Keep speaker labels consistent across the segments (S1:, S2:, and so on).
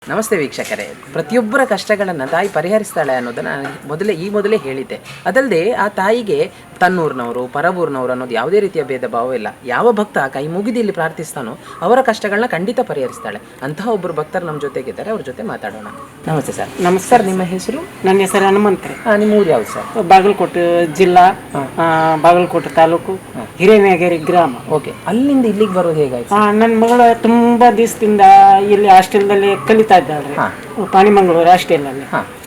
S1: ನಮಸ್ತೆ ವೀಕ್ಷಕರೇ, ಪ್ರತಿಯೊಬ್ಬರ ಕಷ್ಟಗಳನ್ನು ತಾಯಿ ಪರಿಹರಿಸ್ತಾಳೆ ಅನ್ನೋದನ್ನು ಮೊದಲೇ ಹೇಳಿದ್ದೆ. ಅದಲ್ಲದೆ ಆ ತಾಯಿಗೆ ತನ್ನೂರಿನವರು ಪರಬೂರಿನವರು ಅನ್ನೋದು ಯಾವುದೇ ರೀತಿಯ ಭೇದ ಭಾವ ಇಲ್ಲ. ಯಾವ ಭಕ್ತ ಕೈ ಮುಗಿದು ಇಲ್ಲಿ ಪ್ರಾರ್ಥಿಸ್ತಾನೋ ಅವರ ಕಷ್ಟಗಳನ್ನ ಖಂಡಿತ ಪರಿಹರಿಸ್ತಾಳೆ. ಅಂತಹ ಒಬ್ಬರು ಭಕ್ತರು ನಮ್ಮ ಜೊತೆಗಿದ್ದಾರೆ, ಅವ್ರ ಜೊತೆ ಮಾತಾಡೋಣ. ನಮಸ್ತೆ ಸರ್.
S2: ನಮಸ್ಕಾರ.
S1: ನಿಮ್ಮ ಹೆಸರು?
S2: ನನ್ನ ಹೆಸರು ಹನುಮಂತ್ರಿ.
S1: ನಿಮ್ಮ ಊರು ಯಾವುದು ಸರ್?
S2: ಬಾಗಲಕೋಟೆ ಜಿಲ್ಲಾ, ಬಾಗಲಕೋಟೆ ತಾಲೂಕು, ಹಿರೇನಗರಿ ಗ್ರಾಮ.
S1: ಓಕೆ, ಅಲ್ಲಿಂದ ಇಲ್ಲಿಗೆ ಬರೋದು ಹೇಗಾಯ್ತು?
S2: ನನ್ನ ಮಗಳು ತುಂಬಾ ದಿವಸದಿಂದ ಇಲ್ಲಿ ಹಾಸ್ಟೆಲ್ದಲ್ಲಿ ಕಲಿತಾ ಇದ್ದಾಳೆ, ಪಾಣಿಮಂಗಳೂರು ಹಾಸ್ಟೆಲಲ್ಲಿ.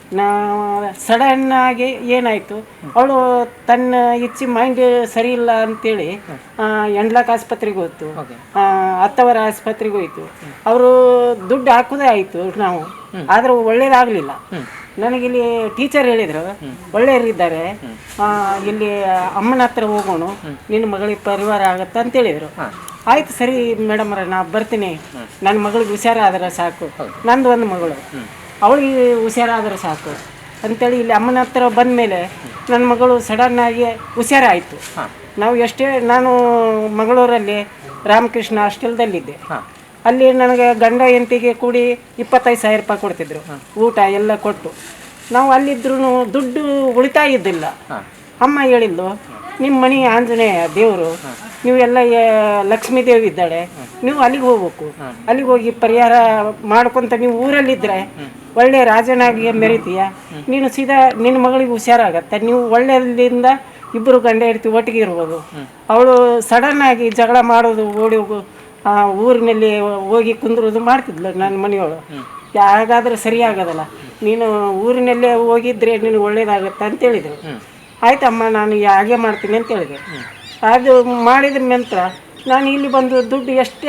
S2: ಸಡನ್ ಆಗಿ ಏನಾಯ್ತು, ಅವಳು ತನ್ನ ಇಚ್ಚಿ ಮೈಂಡ್ ಸರಿ ಇಲ್ಲ ಅಂತೇಳಿ ಎಂಡ್ಲಾಕ್ ಆಸ್ಪತ್ರೆಗೆ ಹೋಯ್ತು, ಹತ್ತವರ ಆಸ್ಪತ್ರೆಗೆ ಹೋಯ್ತು. ಅವರು ದುಡ್ಡು ಹಾಕೋದೇ ಆಯ್ತು ನಾವು, ಆದ್ರೆ ಒಳ್ಳೇದಾಗ್ಲಿಲ್ಲ. ನನಗಿಲ್ಲಿ ಟೀಚರ್ ಹೇಳಿದ್ರು, ಒಳ್ಳೆಯವರಿದ್ದಾರೆ, ಇಲ್ಲಿ ಅಮ್ಮನ ಹತ್ರ ಹೋಗೋಣ, ನಿನ್ನ ಮಗಳಿಗೆ ಪರಿವಾರ ಆಗತ್ತ ಅಂತ ಹೇಳಿದ್ರು. ಆಯ್ತು ಸರಿ ಮೇಡಮ್ ಅವ್ರೆ, ನಾ ಬರ್ತೀನಿ, ನನ್ನ ಮಗಳಿಗೆ ಹುಷಾರಾದ್ರೆ ಸಾಕು, ನಂದು ಒಂದು ಮಗಳು, ಅವಳಿಗೆ ಹುಷಾರಾದ್ರೆ ಸಾಕು ಅಂತೇಳಿ ಇಲ್ಲಿ ಅಮ್ಮನ ಹತ್ರ ಬಂದ ಮೇಲೆ ನನ್ನ ಮಗಳು ಸಡನ್ನಾಗಿ ಹುಷಾರಾಯಿತು. ನಾನು ಮಂಗಳೂರಲ್ಲಿ ರಾಮಕೃಷ್ಣ ಹಾಸ್ಟೆಲ್ದಲ್ಲಿದ್ದೆ. ಅಲ್ಲಿ ನನಗೆ ಗಂಡ ಹೆಂಡತಿಗೆ ಕೂಡಿ 25,000 ರೂಪಾಯಿ ಕೊಡ್ತಿದ್ರು, ಊಟ ಎಲ್ಲ ಕೊಟ್ಟು. ನಾವು ಅಲ್ಲಿದ್ರೂ ದುಡ್ಡು ಉಳಿತಾಯ ಇದ್ದಿಲ್ಲ. ಅಮ್ಮ ಹೇಳಿದ್ಲು, ನಿಮ್ಮ ಮನೆ ಆಂಜನೇಯ ದೇವರು, ನೀವೆಲ್ಲ ಲಕ್ಷ್ಮೀ ದೇವಿ ಇದ್ದಾಳೆ, ನೀವು ಅಲ್ಲಿಗೆ ಹೋಗ್ಬೇಕು, ಅಲ್ಲಿಗೆ ಹೋಗಿ ಪರಿಹಾರ ಮಾಡ್ಕೊಂತ ನೀವು ಊರಲ್ಲಿದ್ದರೆ ಒಳ್ಳೆ ರಾಜನಾಗಿ ಮೆರಿತೀಯ, ನೀನು ಸೀದಾ ನಿನ್ನ ಮಗಳಿಗೆ ಹುಷಾರಾಗತ್ತೆ, ನೀವು ಒಳ್ಳೆಯದಿಂದ ಇಬ್ಬರು ಗಂಡ ಹೆಂಡತಿ ಒಟ್ಟಿಗೆ ಇರ್ಬೋದು. ಅವಳು ಸಡನ್ನಾಗಿ ಜಗಳ ಮಾಡೋದು, ಓಡಿ ಹೋಗು ಊರಿನಲ್ಲಿ ಹೋಗಿ ಕುಂದ್ರೋದು ಮಾಡ್ತಿದ್ಲು ನನ್ನ ಮನೆಯವಳು. ಯಾಗಾದ್ರೆ ಸರಿ ಆಗೋದಲ್ಲ, ನೀನು ಊರಿನಲ್ಲೇ ಹೋಗಿದ್ರೆ ನೀನು ಒಳ್ಳೇದಾಗತ್ತೆ ಅಂತೇಳಿದರು. ಆಯ್ತಮ್ಮ, ನಾನು ಹಾಗೆ ಮಾಡ್ತೀನಿ ಅಂತ ಹೇಳಿದೆ. ಅದು ಮಾಡಿದ ನಂತರ ನಾನು ಇಲ್ಲಿ ಬಂದು ದುಡ್ಡು ಎಷ್ಟೇ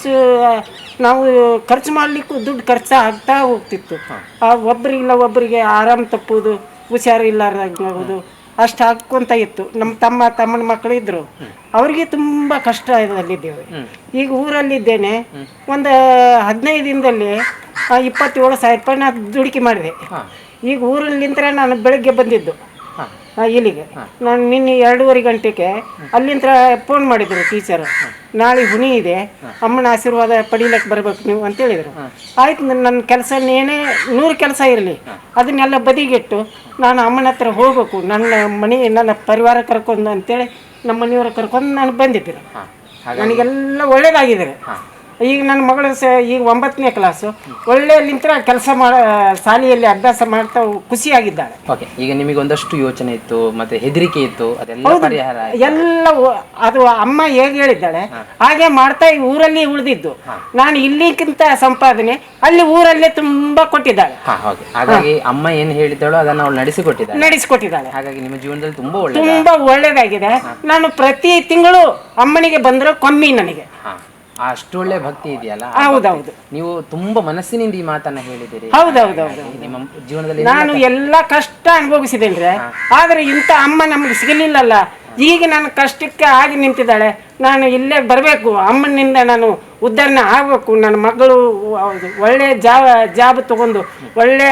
S2: ನಾವು ಖರ್ಚು ಮಾಡಲಿಕ್ಕೂ ದುಡ್ಡು ಖರ್ಚು ಆಗ್ತಾ ಹೋಗ್ತಿತ್ತು. ಒಬ್ಬರಿಗಿಲ್ಲ ಒಬ್ಬರಿಗೆ ಆರಾಮ್ ತಪ್ಪುವುದು, ಹುಷಾರು ಇಲ್ಲಾರ್ದಾಗೋದು, ಅಷ್ಟು ಹಾಕ್ಕೊಂತ ಇತ್ತು. ನಮ್ಮ ತಮ್ಮನ ಮಕ್ಕಳು ಇದ್ದರು, ಅವ್ರಿಗೆ ತುಂಬ ಕಷ್ಟ ಇದರಲ್ಲಿದ್ದೇವೆ. ಈಗ ಊರಲ್ಲಿದ್ದೇನೆ, ಒಂದು 15 ದಿನದಲ್ಲಿ 27,000 ರೂಪಾಯಿ ನಾನು ದುಡುಕಿ ಮಾಡಿದೆ. ಈಗ ಊರಲ್ಲಿಂದ ನಾನು ಬೆಳಗ್ಗೆ ಬಂದಿದ್ದು ಇಲ್ಲಿಗೆ. ನಾನು ನಿನ್ನೆ 2:30 ಗಂಟೆಗೆ ಅಲ್ಲಿಂದ ಫೋನ್ ಮಾಡಿದ್ರು ಟೀಚರ್, ನಾಳೆ ಹುಣಿ ಇದೆ, ಅಮ್ಮನ ಆಶೀರ್ವಾದ ಪಡೀಲಕ್ಕೆ ಬರಬೇಕು ನೀವು ಅಂತ ಹೇಳಿದರು. ಆಯ್ತು, ನನ್ನ ಕೆಲಸ ಏನೇ 100 ಕೆಲಸ ಇರಲಿ ಅದನ್ನೆಲ್ಲ ಬದಿಗಿಟ್ಟು ನಾನು ಅಮ್ಮನ ಹತ್ರ ಹೋಗ್ಬೇಕು, ನನ್ನ ಪರಿವಾರ ಕರ್ಕೊಂಡು ಅಂತೇಳಿ ನಮ್ಮ ಮನೆಯವ್ರ ಕರ್ಕೊಂಡು ನಾನು ಬಂದಿದ್ದರು. ನನಗೆಲ್ಲ ಒಳ್ಳೇದಾಗಿದ್ದಾರೆ. ಈಗ ನನ್ನ ಮಗಳು ಈಗ 9ನೇ ಕ್ಲಾಸು, ಒಳ್ಳೆಯಲ್ಲಿಂದ ಕೆಲಸ ಶಾಲೆಯಲ್ಲಿ ಅಭ್ಯಾಸ ಮಾಡ್ತಾ ಖುಷಿಯಾಗಿದ್ದಾಳೆ.
S1: ಓಕೆ, ಈಗ ನಿಮಗೆ ಒಂದಷ್ಟು ಯೋಚನೆ ಇತ್ತು, ಮತ್ತೆ ಹೆದರಿಕೆ ಇತ್ತು, ಅದೆಲ್ಲ ಪರಿಹಾರ
S2: ಎಲ್ಲ ಅದು ಅಮ್ಮ ಹೇಗೆ ಹೇಳಿದ್ದಾಳೆ ಹಾಗೆ ಮಾಡ್ತಾ ಈ ಊರಲ್ಲಿ ಉಳಿದಿದ್ದು. ನಾನು ಇಲ್ಲಿಗಿಂತ ಸಂಪಾದನೆ ಅಲ್ಲಿ ಊರಲ್ಲೇ ತುಂಬಾ ಕೊಟ್ಟಿದ್ದಾಳೆ.
S1: ಹಾಗಾಗಿ ಅಮ್ಮ ಏನು ಹೇಳಿದ್ದಾಳೋ ಅದನ್ನು ಅವಳು
S2: ನಡೆಸಿಕೊಟ್ಟಿದ್ದಾಳೆ.
S1: ಹಾಗಾಗಿ ನಿಮ್ಮ ಜೀವನದಲ್ಲಿ ತುಂಬಾ
S2: ಒಳ್ಳೇದಾಗಿದೆ. ನಾನು ಪ್ರತಿ ತಿಂಗಳು ಅಮ್ಮನಿಗೆ ಬಂದ್ರೆ ಕಮ್ಮಿ ನನಗೆ.
S1: ಅಷ್ಟು ಒಳ್ಳೆ ಭಕ್ತಿ ಇದೆಯಲ್ಲ.
S2: ಹೌದೌದು,
S1: ನೀವು ತುಂಬಾ ಮನಸ್ಸಿನಿಂದ ಈ ಮಾತನ್ನ ಹೇಳಿದಿರಿ.
S2: ಹೌದೌದೌದು,
S1: ನಿಮ್ಮ ಜೀವನದಲ್ಲಿ
S2: ನಾನು ಎಲ್ಲ ಕಷ್ಟ ಅನುಭವಿಸಿದ್ದೇನೆ, ಆದ್ರೆ ಇಂಥ ಅಮ್ಮ ನಮ್ಗೆ ಸಿಗಲಿಲ್ಲಲ್ಲ. ಈಗ ನನ್ನ ಕಷ್ಟಕ್ಕೆ ಆಗಿ ನಿಂತಿದ್ದಾಳೆ. ನಾನು ಇಲ್ಲೇ ಬರಬೇಕು, ಅಮ್ಮನಿಂದ ನಾನು ಉದ್ಧಾರಣೆ ಆಗಬೇಕು. ನನ್ನ ಮಗಳು ಒಳ್ಳೆ ಜಾಬ್ ತಗೊಂಡು ಒಳ್ಳೆ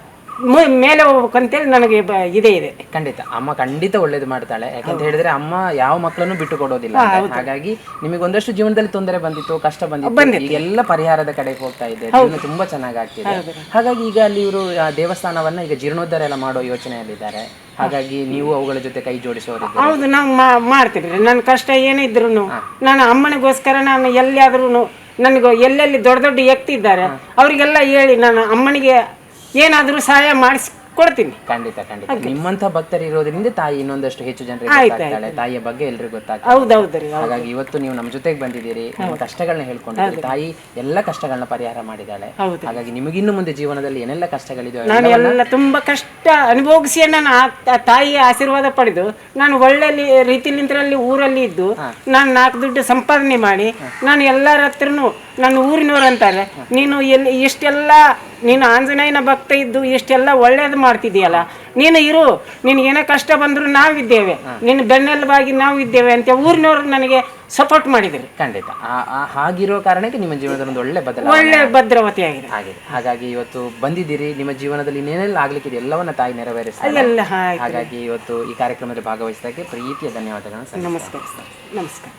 S2: ಮೇಲೆ ಹೋಗ್ಬೇಕಂತೇಳಿ ನನಗೆ ಇದೆ.
S1: ಖಂಡಿತ ಅಮ್ಮ ಖಂಡಿತ ಒಳ್ಳೇದು ಮಾಡ್ತಾಳೆ. ಯಾಕಂತ ಹೇಳಿದ್ರೆ ಅಮ್ಮ ಯಾವ ಮಕ್ಕಳನ್ನು ಬಿಟ್ಟು ಕೊಡೋದಿಲ್ಲ. ಹಾಗಾಗಿ ನಿಮಗೆ ಒಂದಷ್ಟು ಜೀವನದಲ್ಲಿ ತೊಂದರೆ ಬಂದಿತ್ತು, ಕಷ್ಟ ಬಂದಿತ್ತು, ಈಗೆಲ್ಲ ಪರಿಹಾರದ ಕಡೆಗೆ ಹೋಗ್ತಾ ಇದೆ, ಜೀವನ ತುಂಬಾ ಚೆನ್ನಾಗಿ ಆಗ್ತಿದೆ. ಹಾಗಾಗಿ ಈಗ ಅಲ್ಲಿ ಇವರು ದೇವಸ್ಥಾನವನ್ನ ಈಗ ಜೀರ್ಣೋದ್ಧಾರ ಎಲ್ಲ ಮಾಡೋ ಯೋಚನೆಯಲ್ಲಿದ್ದಾರೆ. ಹಾಗಾಗಿ ನೀವು ಅವುಗಳ ಜೊತೆ ಕೈ ಜೋಡಿಸೋರು?
S2: ಹೌದು, ನಾವು ಮಾಡ್ತೀವಿ. ನನ್ನ ಕಷ್ಟ ಏನೇ ಇದ್ರು ನಾನು ಅಮ್ಮನಿಗೋಸ್ಕರ ನಾನು ಎಲ್ಲಿಯಾದ್ರೂ ನನಗೆ ಎಲ್ಲೆಲ್ಲಿ ದೊಡ್ಡ ದೊಡ್ಡ ವ್ಯಕ್ತಿ ಇದ್ದಾರೆ ಅವರಿಗೆಲ್ಲ ಹೇಳಿ ನಾನು ಅಮ್ಮನಿಗೆ ಏನಾದರೂ ಸಹಾಯ ಮಾಡಿಸ್ಕೊಡ್ತೀನಿ.
S1: ಖಂಡಿತ ನಿಮ್ಮಂತ ಭಕ್ತರು ಇರೋದ್ರಿಂದ ತಾಯಿ ಇನ್ನೊಂದಷ್ಟು ಹೆಚ್ಚು ಜನರಿಗೆ ತಾಯಿಯ ಬಗ್ಗೆ ಎಲ್ರಿಗೂ ಗೊತ್ತಾಗ್ತದೆ.
S2: ಹೌದೌದ್ರಿ.
S1: ಹಾಗಾಗಿ ಇವತ್ತು ನೀವು ನಮ್ಮ ಜೊತೆಗೆ ಬಂದಿದ್ದೀರಿ, ನಿಮ್ಮ ಕಷ್ಟಗಳನ್ನ ಹೇಳ್ಕೊಂಡಿದ್ದೀರಿ. ತಾಯಿ ಎಲ್ಲ ಕಷ್ಟಗಳನ್ನ ಪರಿಹಾರ ಮಾಡಿದ್ದಾಳೆ. ಹಾಗಾಗಿ ನಿಮಗಿನ್ನು ಮುಂದೆ ಜೀವನದಲ್ಲಿ ಏನೆಲ್ಲ ಕಷ್ಟಗಳಿದೆ,
S2: ನಾನು ಎಲ್ಲ ತುಂಬಾ ಕಷ್ಟ ಅನುಭವಿಸಿ ನಾನು ತಾಯಿಯ ಆಶೀರ್ವಾದ ಪಡೆದು ನಾನು ಒಳ್ಳೆ ರೀತಿಲಿಂದ್ರಲ್ಲಿ ಊರಲ್ಲಿ ಇದ್ದು ನಾನು 4 ದುಡ್ಡು ಸಂಪಾದನೆ ಮಾಡಿ ನಾನು ಎಲ್ಲರ ಹತ್ರನು ನನ್ನ ಊರಿನವ್ರು ಅಂತಾರೆ, ಇಷ್ಟೆಲ್ಲ ನೀನು ಆಂಜನೇಯನ ಭಕ್ತ ಇದ್ದು ಇಷ್ಟೆಲ್ಲ ಒಳ್ಳೇದು ಮಾಡ್ತಿದ್ದೀಯಲ್ಲ, ನೀನು ಇರು, ನಿನಗೇನೋ ಕಷ್ಟ ಬಂದರೂ ನಾವಿದ್ದೇವೆ, ನಿನ್ನ ಬೆನ್ನೆಲುಬಾಗಿ ನಾವು ಇದ್ದೇವೆ ಅಂತ ಊರಿನವ್ರು ನನಗೆ ಸಪೋರ್ಟ್ ಮಾಡಿದ್ರು.
S1: ಖಂಡಿತ ಹಾಗಿರೋ ಕಾರಣಕ್ಕೆ ನಿಮ್ಮ ಜೀವನದಲ್ಲಿ ಒಂದು
S2: ಒಳ್ಳೆ ಭದ್ರವತಿ ಆಗಿದೆ.
S1: ಹಾಗಾಗಿ ಇವತ್ತು ಬಂದಿದ್ದೀರಿ, ನಿಮ್ಮ ಜೀವನದಲ್ಲಿ ಏನೆಲ್ಲ ಆಗ್ಲಿಕ್ಕಿದೆ ಎಲ್ಲವನ್ನ ತಾಯಿ ನೆರವೇರಿಸ್ತಾರೆ. ಹಾಗಾಗಿ ಇವತ್ತು ಈ ಕಾರ್ಯಕ್ರಮದಲ್ಲಿ ಭಾಗವಹಿಸಿದ್ದಕ್ಕೆ ಪ್ರೀತಿಯ ಧನ್ಯವಾದಗಳನ್ನು.
S2: ನಮಸ್ಕಾರ.